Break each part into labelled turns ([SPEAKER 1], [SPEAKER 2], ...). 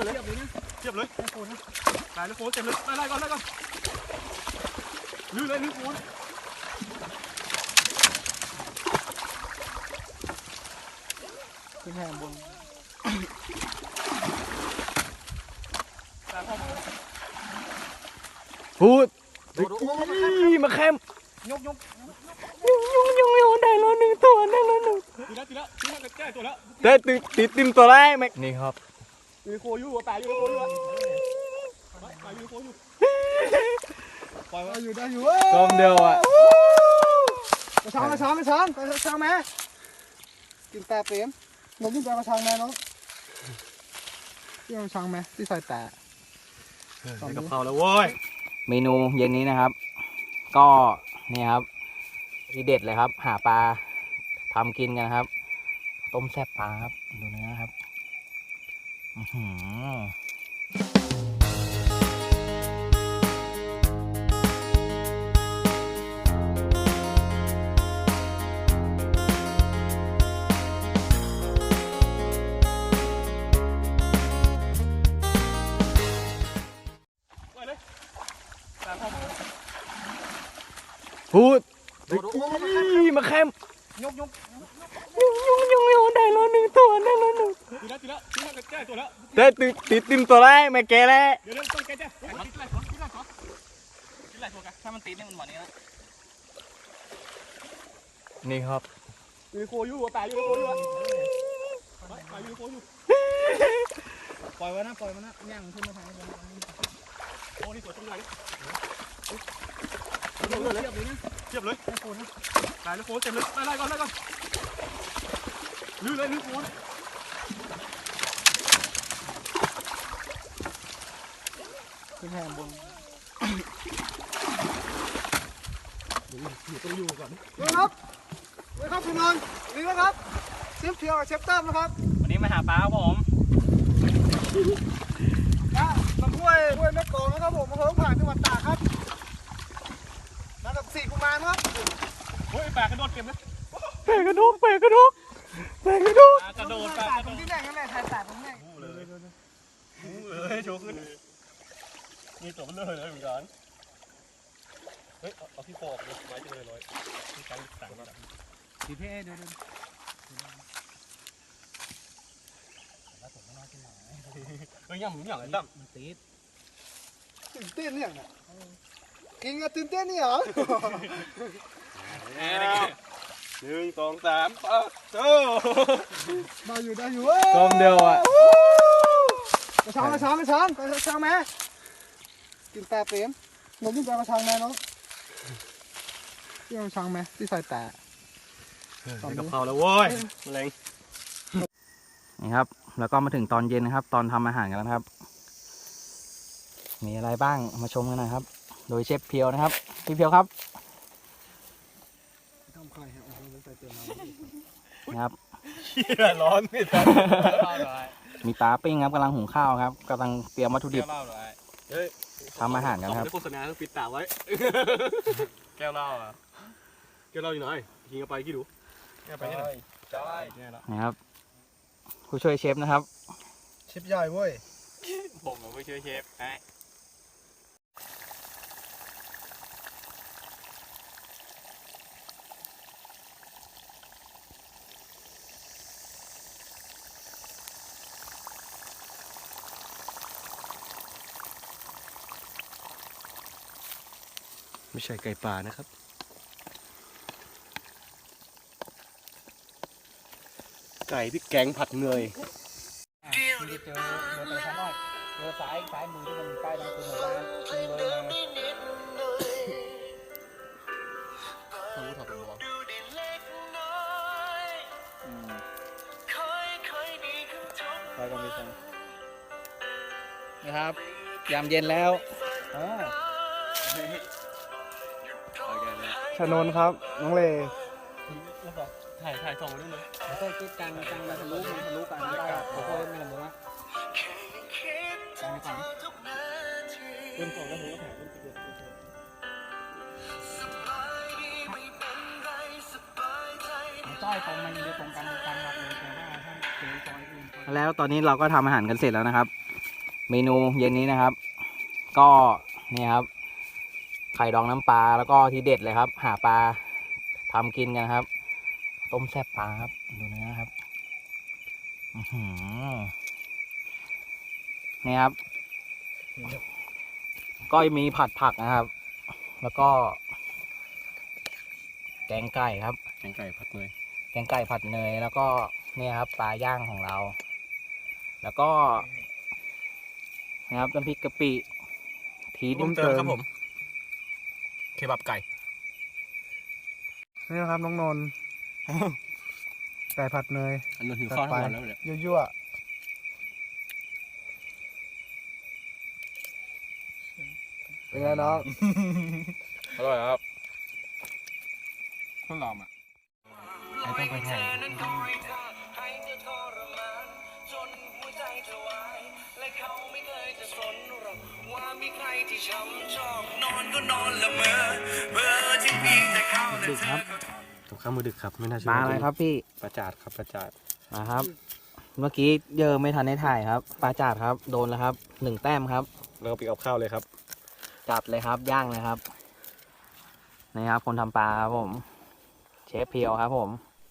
[SPEAKER 1] เลยเทียบเลยตายแล้วโฟนเต็มเลยไล่ก่อนลื้อเลยลื้อโฟนขึ้นแทงบนพูดมาแคมยกได้แล้วหนึ่งตัวได้แล้วหนึ่งตีแล้วแก้ตัวแล้วได้ติดตัวแรกไหมนี่ครับมีโคอยู่ตายอยู่โคอยู่ตายอยู่โคอยู่ปล่อยมาอยู่ได้อยู่กลมเดียวอ่ะกระชังแม่กินแต่เปรี้ยมนมกินแต่กระชังแม่น้องที่กระชังแม่ที่ใส่แต่กับเขาแล้วโว้ย
[SPEAKER 2] เมนูเย็นนี้นะครับก็นี่ครับที่เด็ดเลยครับหาปลาทำกินกันครับต้มแซ่บปลาครับดูเนื้อครับ
[SPEAKER 1] พูดมาแคมยกได้แล้วหนึ่งตัวได้แล้วหนึ่งตีแล้วแก้ตัวแล้วได้ติดตัวแรกไม่แก้แล้วเดี๋ยวต้องแก้จ้ะกินอะไรกันถ้ามันติดนี่มันหวานนี้นะนี่ครับมีโคอยู่ตายอยู่โคอยู่ตายอยู่โคอยู่ปล่อยไว้นะย่างขึ้นมาทางนี้โอ้นี่สวยจังเลยเทียบเลยตายแล้วโฟนเต็มเลยไล่ก่อนลื้อเลยลื้อโฟนขึ้นแทงบนอยู่ต้องอยู่ก่อนครับคุณนนท์นี่นะครับเชฟเพียวกับเชฟเติมนะครับวันนี้มาหาปลาครับผมมาห้วยแม่กองนะครับผมมาเพิ่งผ่านจังหวัดตากครับมากับ4 กุมารครับโอ้ยแปลกกระโดดเก็บเลยแปลกกระโดดกระโดดตรงที่แรกนั่นแหละถ่ายตรงนี้เลยโชว์ขึ้นมีตัวมันเลยเหมือนกันเฮ้ยเอาที่โฟกเลยไว้ที่เลยที่การสั่งมาทีเพ่เดินแล้วผมไม่น่ากินหน่อยเฮ้ยอย่างไรตั้มมันตีดตื่นเต้นเนี่ยกินกันตื่นเต้นนี่เหรอ1 2 3โอ้ได้อยู่กลมเดียวอ่ะกระชังแม่กินแต่เปรี้ยมนมกินแต่กระชังแม่น้องที่กระชังแม่ที่ใส่แต่กับเขาแล้วโว้ยแรง
[SPEAKER 2] นี่ครับแล้วก็มาถึงตอนเย็นนะครับตอนทำอาหารกันแล้วครับมีอะไรบ้างมาชมกันนะครับโดยเชฟเพียวนะครับพี่เพียวครับนะครับ
[SPEAKER 1] ร้อนไม่ทัน
[SPEAKER 2] มีปลาปิ้งครับกำลังหุงข้าวครับกำลังเตรียมวัตถุดิบทำอาหารกันครับ
[SPEAKER 1] โฆษณาต้องปิดตาไว้แก้วเหล้าอยู่ไหนกินกันไปกี่ดูแก้วไปที่ไหน
[SPEAKER 2] นะครับผู้ช่วยเชฟนะครับ
[SPEAKER 1] เชฟใหญ่เว้ยผมผู้ช่วยเชฟไม่ใช่ไก่ป่านะครับไก่พริกแกงผัดเนย
[SPEAKER 2] เจอแต่ชั้นน้อยเจอซ้ายมือที่มันใกล้นั่นคือหมู่บ้านเลยนะ
[SPEAKER 1] เขาถอดตัว
[SPEAKER 2] ไปกันดีจังนะครับยามเย็นแล้ว
[SPEAKER 1] ชนนครับน้องเลถ่ายส่งมาด้วยเลย
[SPEAKER 2] แล้วก็คิดจังมันทะลุกันได้ผมก็ไม่รู้ว่าจังไม่ฟัง
[SPEAKER 1] เริ่มส่งแล้วผมก็ถ่ายเริ่มติด
[SPEAKER 2] จ้อยตรงมันอยู่ตรงกันหมดเลยแต่ว่าถ้าเจอจอยอื่นแล้วตอนนี้เราก็ทำอาหารกันเสร็จแล้วนะครับเมนูเย็นนี้นะครับ ก็นี่ครับไข่ดองน้ำปลาแล้วก็ที่เด็ดเลยครับ หาปลาทำกินกันครับ ต้มแซ่บปลาครับดูเนื้อครับนี่ครับก็มีผัดผักนะครับ แล้วก็ แกงไก่ครับ
[SPEAKER 1] แกงไก่ผัดเนย
[SPEAKER 2] แกงไก่ผัดเนยแล้วก็เนี่ยครับปลาย่างของเรา แล้วก็นะครับน้ำพริกกะปิทีนิมเติม
[SPEAKER 1] ครับผมเคบับไก่
[SPEAKER 3] นี่นะครับน้องนนท์ไก่ผัดเนย
[SPEAKER 1] อันนู้นหิวข้าวทั้งวันแล้วเนี่ย
[SPEAKER 3] ยั่วๆเป็นไงน้อง
[SPEAKER 1] อร่อยครับข้าวหลามอ่ะ
[SPEAKER 2] ไม่ต้องไปถ่าย ดึกครับ
[SPEAKER 1] ตกข้าวมือดึกครับไม่น่าเชื่
[SPEAKER 2] ปลาอะไรครับพี่
[SPEAKER 1] ปลาจาดครับปลาจาด
[SPEAKER 2] มาครับ เมื่อกี้เยอะไม่ทันได้ถ่ายครับปลาจาดครับโดนแล้วครับ1 แต้มครับ
[SPEAKER 1] แล้วก็ปีกเอาข้าวเลยครับ
[SPEAKER 2] จัดเลยครับย่างเลยครับนี่ครับคนทำปลาครับผมเชฟเพียวครับผม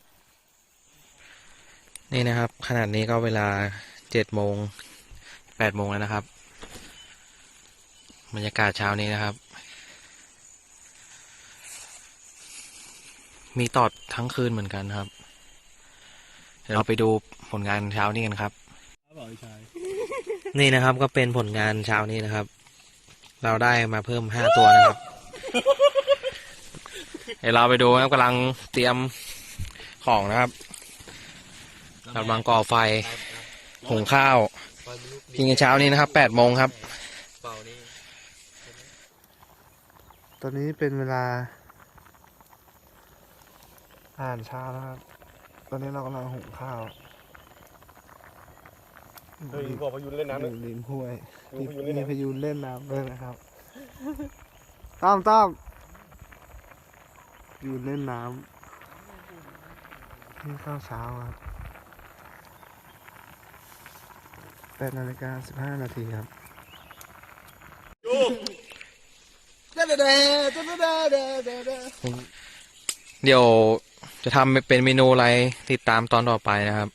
[SPEAKER 2] นี่นะครับขนาดนี้ก็เวลา7 โมง 8 โมงแล้วนะครับบรรยากาศเช้านี้นะครับมีตอดทั้งคืนเหมือนกันครับเดี๋ยวเราไปดูผลงานเช้านี้กันครับนี่นะครับก็เป็นผลงานเช้านี้นะครับ เราได้มาเพิ่ม5 ตัวนะครับ เดี๋ยวเราไปดูครับกำลังเตรียมของนะครับกำลังก่อไฟหุงข้าวกินกันเช้านี้นะครับ8 โมงครับ
[SPEAKER 3] ตอนนี้เป็นเวลาอาหารเช้านะครับ ตอนนี้เรากำลังหุงข้าว
[SPEAKER 1] เฮ้ยบอกพายุเล่นน้ำ
[SPEAKER 3] อ
[SPEAKER 1] เลย
[SPEAKER 3] ยู่ริมห้วย
[SPEAKER 1] มีพายุเล่น
[SPEAKER 3] มี
[SPEAKER 1] น้ำ
[SPEAKER 3] พายุเล่นน้ำด้วยนะครับต้อมอยู่เล่นน้ำนี่ข้าวเช้าครับ8:15 ครับ
[SPEAKER 2] เดี๋ยวจะทำเป็นเมนูอะไรติดตามตอนต่อไปนะครับ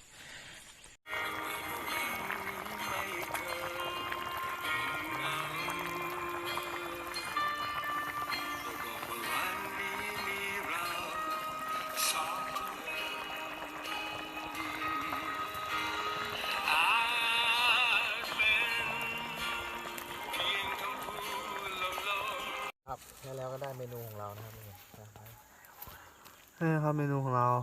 [SPEAKER 2] ครับแล้วก็ได้เมนูของเรานะครับ
[SPEAKER 3] นี่นะครับเมนูของเรา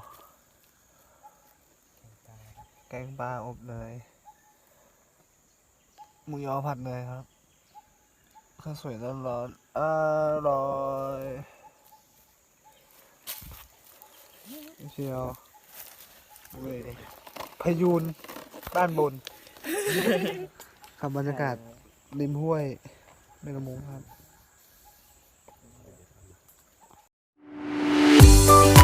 [SPEAKER 3] แกงปลาอบเนยหมูยอผัดเนยครับข้าวสวยร้อนๆอร่อยเชียวเว้ยพายุนบ้านบน ครับบรรยากาศริมห้วยแม่น้ำมูกครับ